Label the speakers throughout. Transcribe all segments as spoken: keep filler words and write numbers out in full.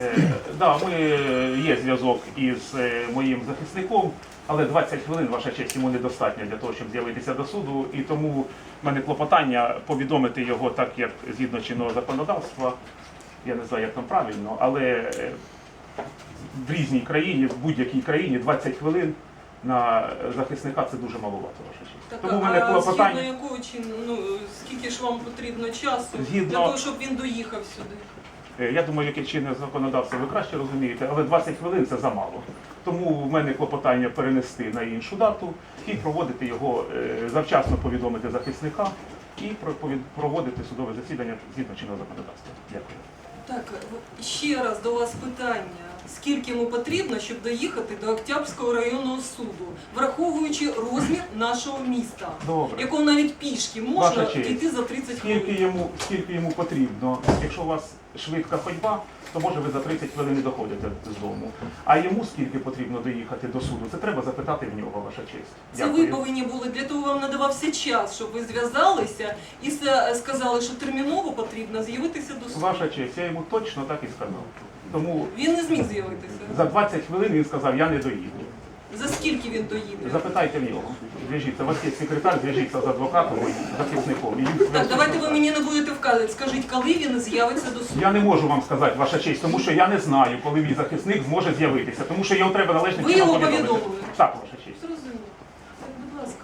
Speaker 1: Да, ми є зв'язок із моїм захисником, але двадцять хвилин, ваша честь, йому недостатньо для того, щоб з'явитися до суду. І тому в мене клопотання повідомити його так, як згідно чинного законодавства. Я не знаю, як там правильно, але в різній країні, в будь-якій країні двадцять хвилин на захисника це дуже маловато, ваша честь.
Speaker 2: Так,
Speaker 1: тому в мене
Speaker 2: а
Speaker 1: клопотання...
Speaker 2: згідно якого чину, ну, скільки ж вам потрібно часу
Speaker 1: Згідно...
Speaker 2: для того, щоб він доїхав сюди?
Speaker 1: Я думаю, яке чинне законодавство ви краще розумієте, але двадцять хвилин це замало. Тому в мене клопотання перенести на іншу дату і проводити його, завчасно повідомити захисника і проводити судове засідання згідно чинного законодавства. Дякую.
Speaker 2: Так, ще раз до вас питання. Скільки йому потрібно, щоб доїхати до Октябрського районного суду, враховуючи розмір нашого міста,
Speaker 1: Добре.
Speaker 2: якого навіть пішки можна дійти за тридцять хвилин?
Speaker 1: Скільки йому, скільки йому потрібно? Якщо у вас швидка ходьба, то може ви за тридцять хвилин і доходите з дому. А йому скільки потрібно доїхати до суду, це треба запитати в нього, ваша честь.
Speaker 2: Це ви повинні були, для того вам надавався час, щоб ви зв'язалися і сказали, що терміново потрібно з'явитися до суду.
Speaker 1: Ваша честь, я йому точно так і сказав. Тому
Speaker 2: він не зміг з'явитися?
Speaker 1: За двадцять хвилин він сказав, я не доїду.
Speaker 2: За скільки він доїде?
Speaker 1: Запитайте в нього. Зв'яжіться, у вас є секретар, зв'яжіться з адвокатом і захисником. І він...
Speaker 2: Так, давайте ви мені не будете вказувати. Скажіть, коли він з'явиться до суду?
Speaker 1: Я не можу вам сказати, ваша честь, тому що я не знаю, коли мій захисник зможе з'явитися. Тому що його треба належним
Speaker 2: Ви
Speaker 1: чином
Speaker 2: його
Speaker 1: повідомити.
Speaker 2: повідомили?
Speaker 1: Так, ваша честь.
Speaker 2: Зрозуміло. Так, будь ласка.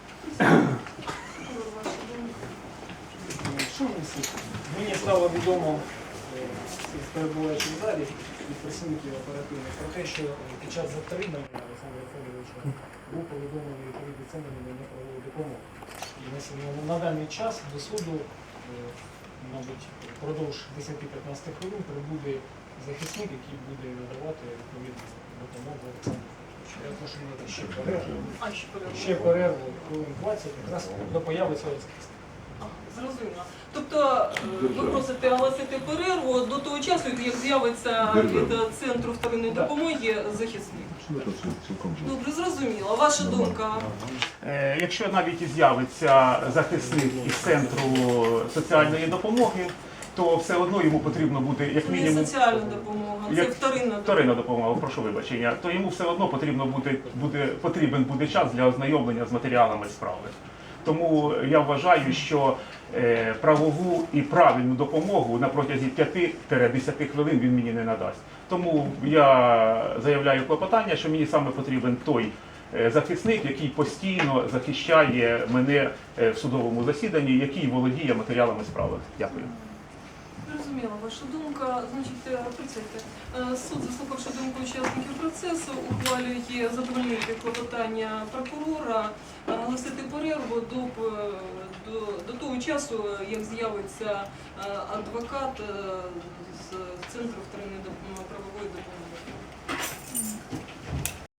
Speaker 3: Мені стало відомо з перебуваючи в залі від працівників оперативних про те, що під час затримання Олександра Федоровича був повідомлений відповідний центр надання правової допомоги. І на даний час до суду, мабуть, впродовж десять-п'ятнадцять хвилин прибуде захисник, який буде надавати відповідну допомогу Олександру Федоровичу. Я прошу надати ще перерву.
Speaker 2: А, ще перерву.
Speaker 3: Ще перерву хвилин двадцять, якраз до появи цього захисника.
Speaker 2: Зрозуміло. Тобто ви просите оголосити перерву до того часу, як з'явиться від центру вторинної допомоги захисник. Добре, зрозуміло. Ваша думка?
Speaker 1: Е, якщо навіть і з'явиться захисник із центру соціальної допомоги, то все одно йому потрібно буде, як
Speaker 2: Це
Speaker 1: мінімум...
Speaker 2: не соціальна допомога, це
Speaker 1: як...
Speaker 2: вторинна допомога.
Speaker 1: Вторинна допомога, прошу вибачення. То йому все одно потрібно буде, буде, потрібен буде час для ознайомлення з матеріалами справи. Тому я вважаю, що е, правову і правильну допомогу на протязі п'яти-десяти хвилин він мені не надасть. Тому я заявляю клопотання, що мені саме потрібен той е, захисник, який постійно захищає мене е, в судовому засіданні, який володіє матеріалами справи. Дякую.
Speaker 2: Зрозуміла ваша думка. Значить, працюйте. Суд, заслухавши думку учасників процесу, ухвалює задовольнити клопотання прокурора, оголосити перерву до, до, до того часу, як з'явиться адвокат